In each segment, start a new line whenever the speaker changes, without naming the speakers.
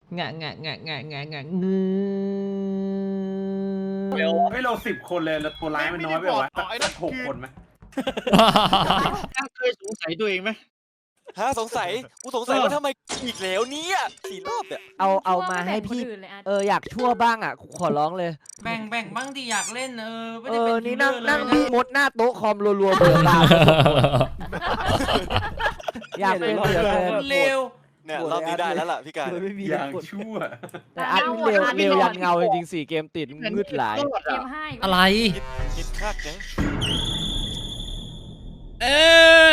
งะงะงะงะงะงะ
เรา10 คนเลยแล้วตัวร้ายมันน้อยไปวะสัก6 คนไหม
เคยสงสัยตัวเองไหม
สงสัยกูสงสัยว่าทำไมอีกแล้วเนี่ย4 รอบเนี่ย
เอามาให้พี่อยากชั่วบ้างอ่ะขอร้องเลย
แบ่งบ้างดิอยากเล่นไม่ได้
นี่นั่งพี่มดหน้าโต๊ะคอมรัวๆเบื่อตาอยากเป็นเหลือเกิน
เร็ว
เนี่ยรอบนี้ได้แล้วล่ะพี่การ
อย่างชั่ว
แต่อันเร็วยันเงาจริงๆ4 เกมติดมืดหลาย
เกมให้
อะไร
คิดคักนะ
เออ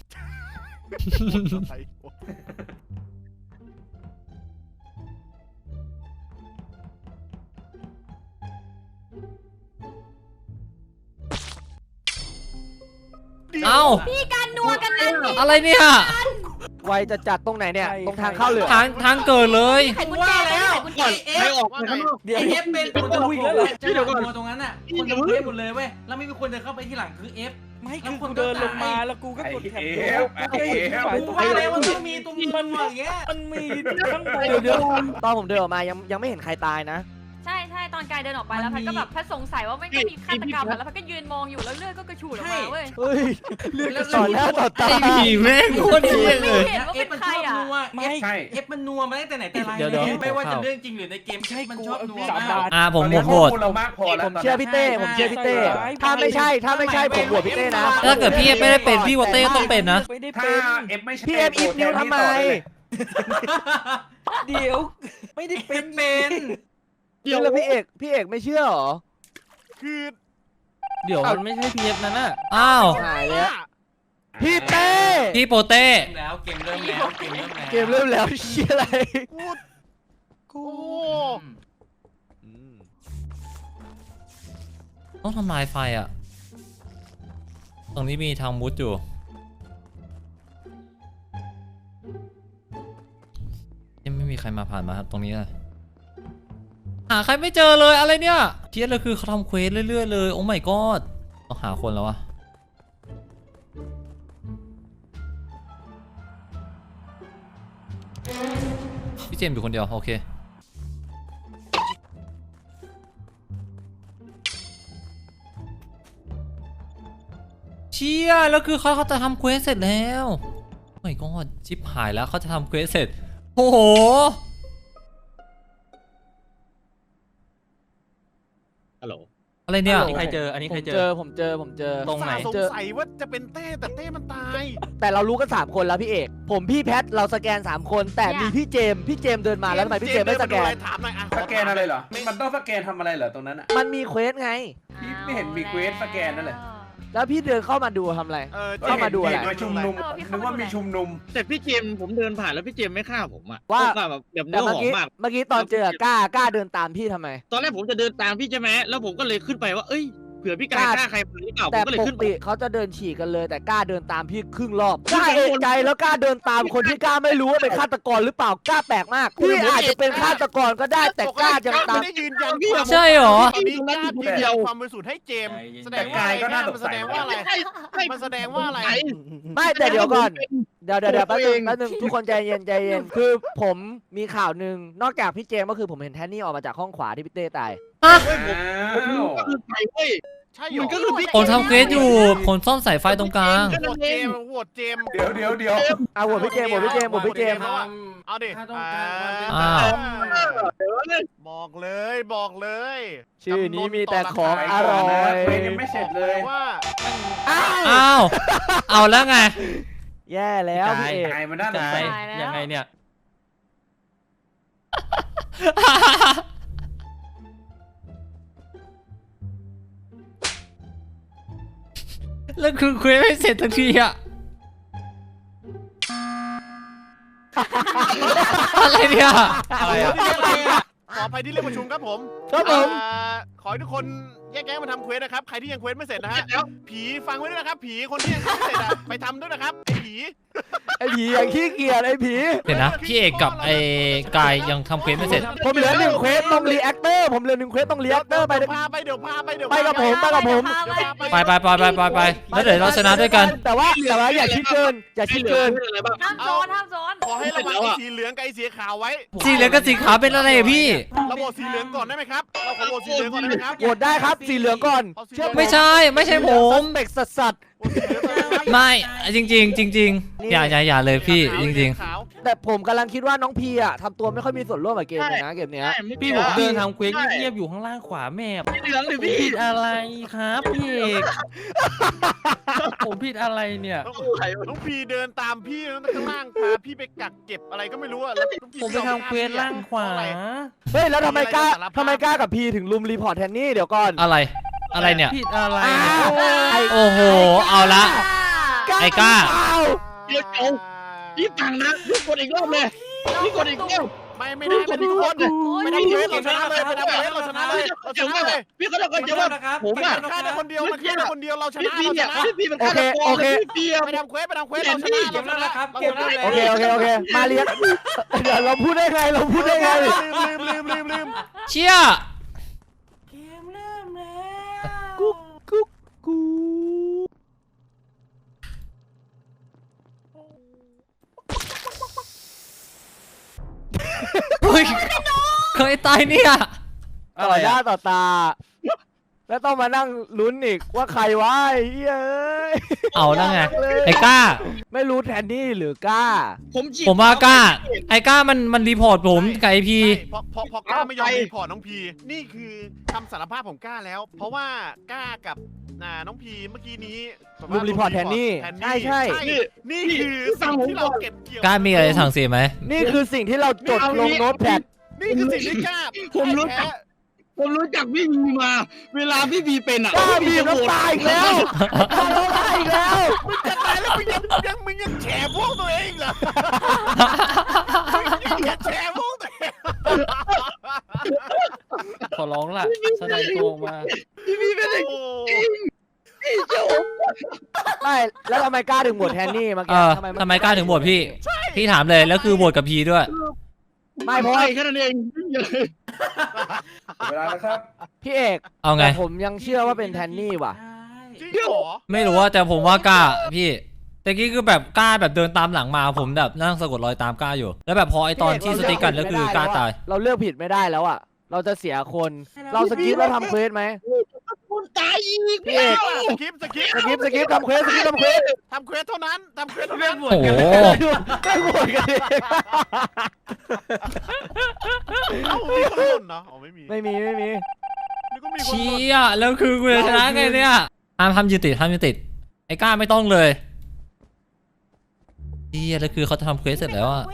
เอ้า
พี่การนัวกันนั่นนี่
อะไรเนี่ย
ไวจะจัดตรงไหนเนี่ยตรงทางเข้าเหลือ
ทางเกิดเลย
ไขกุญแจแล้ว
ไม่ออกไปข้างนอก
เดี๋ยว
เอฟเป็นคนจะวิ่งแล้วจะเดินมาตรงนั้นอ่ะคนจะวิ่งหมดเลยเว้ยแล้วไม่มีคนเดินเข้าไปที่หลังคือเอฟ
ไม่คือกูเดินลงมาแล้วกูก็กดแท็บ
กูว่าแล้วมันต้องมีตรงนี้มันอย่างเงี้ย
มันมีข้างบน
เดี๋ยวตอนผมเดินออกมายังไม่เห็นใครตายนะ
ใช่ตอนกายเดินออกไปแล้วพัดก็แบบพัดสงสัยว่าไม่มีฆาตกรรมแล้วพัดก็ยืนมองอยู่แล้วเลือดก็กระฉูดออกมาเว้ย
เฮ้ยเลือดต่อแล้วต่อตา
ไอ้ผีแม่งโคตรเหี้ยเลย
เห็นว่าเป็นใครอ่ะ
เอฟมันนัวมาตั้งแต่ไหนแต่ไรไม่ว่าจะเรื่องจริงหรือในเกมมันชอบนัวมาก
ผมโหวตเรามากพอแล้ว
ผมเชื่อพี่เต้ถ้าไม่ใช่ผมโหวตพี่เต้นะ
ถ้าเกิดพี่เอฟไม่ได้เป็นพี่วอเต้ต้องเป็นนะ
ไม่ได้
ถ้า
เป็น
เอฟไม่ใช่
พี่เอฟอีฟนิ้วทำไม
เดี๋ยวไม่ได้เป็น
เดี๋ยวแล้วพี่เอกไม่เชื่อหรอ
คือ
เดี๋ยวมันไม่ใช่พีเอฟนั่นน่ะ
อ้าว
หายแล้วพี่เต้
พี่โปเต้
เกมเริ่มแล้วเชี่ยอะไร
กู
ต้องทำลายไฟอ่ะตรงนี้มีทางมุดอยู่ยังไม่มีใครมาผ่านมาครับตรงนี้เลยหาใครไม่เจอเลยอะไรเนี่ยเทียดเลยคือเขาทำเควสเรื่อยๆเลยโอ้ my god ต้องหาคนแล้ววะพี่เจมส์อยู่คนเดียวโอเคเชี่ยแล้วคือเขาจะทำเควสเสร็จแล้วโอ้ my god ชิปหายแล้วเขาจะทำเควสเสร็จโอ้โห
ฮัลโหล
อะไรเนี่ย
อันนี้ใครเจออันนี้ใครเจอ
ผมเจอ
ตรงไหน
สงสัยว่าจะเป็นเต้แต่เต้มันตาย
แต่เรารู้กัน3 คนแล้วพี่เอกผมพี่แพทเราสแกน3 คนแต่มีพี่เจมเดินมาแล้วทำไมพี่เจมไม่สแกน
ถามหน่อยอ่ะ
สแกนอะไรเหรอมันต้องสแกนทำอะไรเหรอตรงนั้นอ่ะ
มันมีเควสไง
พี่ไม่เห็นมีเควสสแกนนั่นแหละ
แล้วพี่เดินเข้ามาดูทำอะไร เข้ามาดูอะไร
มาชุมนุมนึกว่ามีชุมนุม
แต่พี่เจมส์ผมเดินผ่านแล้วพี่เจมส์ไม่ฆ่าผมอ่ะ
ว่า
แบบเนื้
แต่
อหอมมาก
เมื่อกี้ตอนเจอกล้าเดินตามพี่ทำไม
ตอนแรกผมจะเดินตามพี่ใช่ไหมแล้วผมก็เลยขึ้นไปว่าเอ้ยเผื่อพี่การฆ่าใครมาหรือเปล่าผ
แต่
มก็เลย
ปก
ขึ้นไป
ติเขาจะเดินฉีกกันเลย แต่กล้าเดินตามพี่ครึ่งรอบกล้าเอกใจแล้วกล้าเดินตามคนที่กล้าไม่รู้ว่าเป็นฆาตกรหรือเปล่ากล้าแปลกมากพี่อาจจะเป็นฆาตกรก็ได้แต่กล้ายังตาม
ไม่ได้ยืนยัน
ใช่เหรอ
ตอนนี้กล้ายืนยันความบริสุทธิ์ให้เจมส์แสดงว่าอะไรมันแสดงว่าอะไรมันแสดงว่าอะไร
ไม่แต่เดี๋ยวก่อนเดี๋ยวแป๊บนึงทุกคนใจเย็นคือผมมีข่าวหนึ่งนอกจากพี่เจมส์ก็คือผมเห็นแทนนี่ออกมาจากห้องขวาที่พี่เต้ตาย
อ้าว
คือใครเว้ย
ใช่หรอ
มันก็คือพี่
คนทำเควสอยู่คนซ่อนสายไฟตรงกลาง
โหวตเจมส์โหวตเจมส์
เดี๋ยว
เอาโหวตพี่เจมส์
เอาดิ
อ้าว
บอกเลย
ชื่อนี้มีแต่ของอร่อย
เควสยังไม่เสร็จเลย
ว่า
อ้าวเอาแล้วไง
แย่แล้วพี่เอก
ตายมันน่าสง
ใช่
สัย
ยังไงเนี่ย
แล้วคือเควสไม่เสร็จทันทีอะอะไรเนี่ย
อะไรอะ
ขออภัยที่เรียกประชุมครับผม
ครับผม
ขขอให้ทุกคนแยกย้ายมาทำเควสนะครับใครที่ยังเควสไม่เสร็จนะฮะผีฟังไว้ด้วยนะครับผีคนที่ยังไม่เสร็จอะไปทำด้วยนะครับไอ้ผี
ไอ้ผีอย่างขี้เกียจไอ้ผี
เดี๋ยวนะพี่เอกกับไอ้กายยังทำเควสไม่เสร็จ
ผมเหลือ1เควสตรงรีแอคเตอร์ผมเหลือ1เควสตรงรีแอคเตอร์ไป
เดี๋ยวพาไปเดี๋ยวพาไปเดี๋ยว
ไปกับผมไปกับผม
ไปแล้วเดี๋ยวเราชนะด้วยกัน
แต่ว่าอย่าคิดเกินอย่าคิดเกิน
อะไรบ้าง
ห้ามโซนห้ามโซน
ขอให้ระวังไอ้สีเหลืองกับไอ้สีขาวไว้
สีเหลืองกับสีขาวเป็นอะไรอะพี่
เราโหวตสีเหลืองก่อนได้ไหมครับเราขอโหวตสีเหลืองก่อนได้ไหมครับ
โหวตได้ครับสีเหลืองก่อนเชื่อ
ไม่ใช่ผม
เบกสัส
โหวตสีเหลืองก่อนนะครับ
ไม่จริงอย่าเลยพี่จริง
ขาว
ๆแต่ผมกำลังคิดว่าน้องพีอ่ะทำตัวไม่ค่อยมีส่วนร่วมกับเกมเลยนะเกมเนี้ย
พี่ผมเดินทำเควสเงียบๆอยู่ข้างล่างขวาแมพ
เหลืองหรือพี่
ผิดอะไรครับพี่เอกผมผิดอะไรเนี่ย
น้องพีเดินตามพี่ข้างล่างพาพี่ไปกักเก็บอะไรก็ไม่รู้อะแล้วน้องพี
ผมไปทำเควสล่างขวา
เฮ้ยแล้วทำไมกล้ากับพีถึงลุมรีพอร์ตแทนนี่เดี๋ยวก่อน
ๆอะไรเนี่ย
ผิดอะไร
โอ้โหเอาละ ไอ้กล้า
เดี๋ยวเอาพี่ฟังนะพี่กดอีกรอบเลยพี่กดอีกรอบ
ไม่ได้ทุกคนไม่ได้เควสเราชนะเลยไม่ได้เควสเราชนะเลยเราชนะเลย
พี่ก็ต้องกดจะว่าผมอ่ะ
ฆ่าได้คนเดียวมันฆ่าได้คนเดียวเราช
พี่
นะ
พี่
เราช
เนี่ย
นะ
พี่มันฆ่าตะโกนพี่เปีย
ไปทำเควสเราชนะเราชนะ
โอเคมาเรียนเดี๋ยวเราพูดได้ไง
ลืม
เชี่ย
กุ๊กกู
เฮ้ยเคยตายเนี่ย
ต่อหน้าต่อตา แล้วต้องมานั่งลุ้นอีกว่าใครวะไอ้เฮ้ย
เอานั่งไงไอ้กล้า
ไม่รู้แทนนี่หรือกล้า
ผมว่ากล้า ไอ้กล้ามันรีพอร์ตผมกับไอพี
พอกล้าไม่ยอมรีพอร์ตน้องพีนี่คือคำสารภาพของกล้าแล้ว เพราะว่ากล้ากับน้องพีเมื่อกี้นี้
ลุมรีพอร์ตแทนนี่ใช่
นี่คือสิ่งที่เราเก็บเกี่ยว
กล้ามีอะไรสั่งเสียไหม
นี่คือสิ่งที่เราจดลงโน้ตแพด
นี่คือสิ่งที่กล้า
ผมรู้จักพี่บีมา เวลาพี่บีเป็นอ่ะ
กล้าบีบน้ำตาอีกแล้วกล้าน้ำตาอีกแล้ว
มึงจะตายแล้วมึงยังแฉพวกตัวเองเหรอมึงยังแฉพวกตัวเอง
ขอร้องล่ะแสดงตัวมา
พี่บีเป็น
โอ้
ไม่แล้วทำไมกล้าถึงโหวตแทนนี่เมื่อ
เอ
กี้
อทำไมกล้าถึงโหวตพี่ พี่ถามเลยแล้วคือโหวตกับพีด้วย
ไม่เพราะว่า
แค่นั้นเอง
เวลานะครับ
พี่เอก
เอาไง
แต่ผมยังเชื่อว่าเป็นแทนนี่ว่ะ
จริงเหรอ
ไม่รู้ว่าแต่ผมว่ากล้าพี่แต่กี้คือแบบกล้าแบบเดินตามหลังมาผมแบบนั่งสะกดรอยตามกล้าอยู่ แล้วแบบพอไอตอนที่สติ๊กกันแล้วคือกล้าตาย
เราเลือกผิดไม่ได้แล้วอ่ะเราจะเสียคนเราสกิปแล้วทำเควสไหม
คุณตายอีก
พี่เอก
สกิป
สกิปทำเควส
ทำเควสเท่านั้นทำเควสเท่านั้น
โอ้โห
ไม่โหวตกันเอง
เอ้ามีคนหล่นเนาะอ๋อไม่มี
ไม่มี
นี่ก็มีคนหล่น
เชี่ยแล้วคือกูจะชนะไงเนี่ยห้ามยืนติดไอ้กล้าไม่ต้องเลยเชี่ยแล้วคือเขาจะทำเควสเสร็จแล้วอะ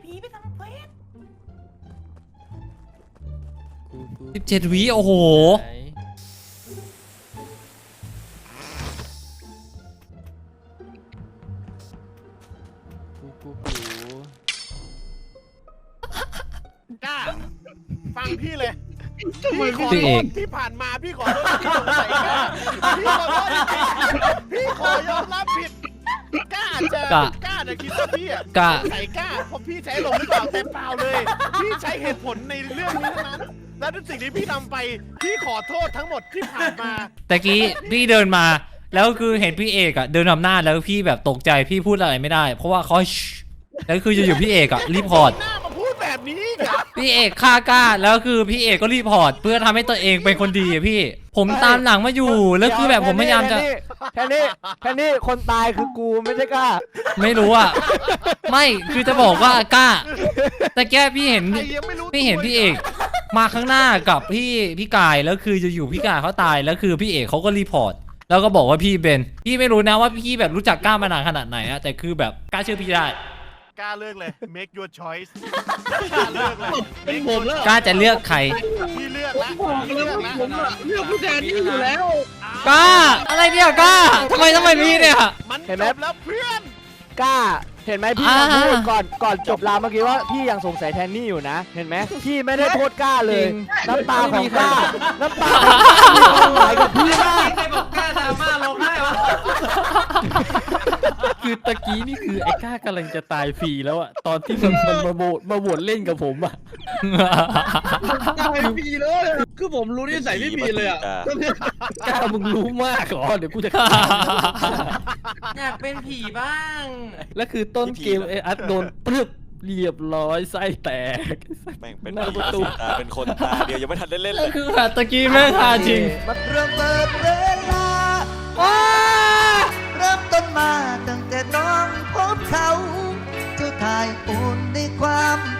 17 วิโอ้โห
กล้าฟังพี่เลย
พี่
ขอ
พี่
โท
เอ
ษ
ก
ที่ผ่านมาพี่ขอโทษที่สงสัยกล้าพี่ขอโทษจริงๆพี่ขอยอมรับผิดกล้าจะกล้าคิดว่าพี่อะ
กล้า
สงสัยกล้าเพราะพี่ใช้ลมหรือเปล่าแต่เปล่าเลย พี่ใช้เหตุผลในเรื่องนี้เท่านั้นและทุกสิ่งที่พี่ทำไปพี่ขอโทษทั้งหมดที่ผ่านมา
แต่กี้พี่เดินมาแล้วคือเห็นพี่เอกอะเดินนำหน้าแล้วพี่แบบตกใจพี่พูดอะไรไม่ได้ เพราะว่าเขาแล้วคืออยู่พี่เอกอะรีพอร์ต
หน้ามาพูดแบบนี้อีกเหรอ
พี่เอกฆ่ากล้าแล้วคือพี่เอกก็รีพอร์ตเพื่อทำให้ตัวเองเป็นคนดีอะพี่ ผมตามหลังมาอยู่แล้วคือแบบผมพยายามจะ
แทนนี่คนตายคือกูไม่ใช่กล้า
ไม่รู้อะไม่คือจะบอกว่ากล้า แต่แกพี่เห็น
ใครยังไม่รู้
พี่เห็นพี่เอกมาข้างหน้ากับพี่กายแล้วคือจะอยู่พี่กายเขาตายแล้วคือพี่เอกเขาก็รีพอร์ตแล้วก็บอกว่าพี่เป็นพี่ไม่รู้นะว่าพี่แบบรู้จักกล้ามานานขนาดไหนอะแต่คือแบบกล้าเชื่อพี่ได้
กล้าเลือกเลย make your choice กล้าเลือกเลย
เป็นผมแล้ว
กล้าจะเลือกใคร
พี่เลือกละ
บอก
พี่
แล้
เลื
ว
อก
ว่า
ละ
ผมอะเลือกผู้แทนนี่อยู่แล้ว
กล้าอะไรเนี่ยกล้าทำไมพี่เนี่ย
มัน
เห็น
จ
ไหม
บแล้วเพื่อน
กล้าเห็นไหมพี่ยังพูดก่อนจบราวเมื่อกี้ว่าพี่ยังสงสัยแทนนี่อยู่นะ เห็นไหมพี่ไม่ได้โทษกล้าเลย น้ำตาของกล้าน้ำตาของกล้าไหลกับพี่มาก
ใครบอกกล้าดราม่าร้องไห้วะ
คือตะกี้นี่คือไอ้ก้ากำลังจะตายฟรีแล้วอะตอนที่มันมาโหวตเล่นกับผมอะ
ไม่มีเลยคือผมรู้นิสัยไม่มีเลยอ่ะ
ก้ามึงรู้มากเหรอเดี๋ยวกูจะ
อยากเป็นผีบ้าง
แล้วคือต้นเกมไอ้อัดโดนปึ๊บเรียบร้อยไส้แตก
แม่งเป็น
หน้า
ผี
ประตู
ตาเป็นคนตาเดียวยังไม่ทันได้เล่นเล
ก็
ย
คือแบบตะกี้แม่งฮาจริง
เริ่มเปิดเวลาเริ่มต้นมาตั้งแต่น้องพบเขา เจ้าทายอุ่นในความ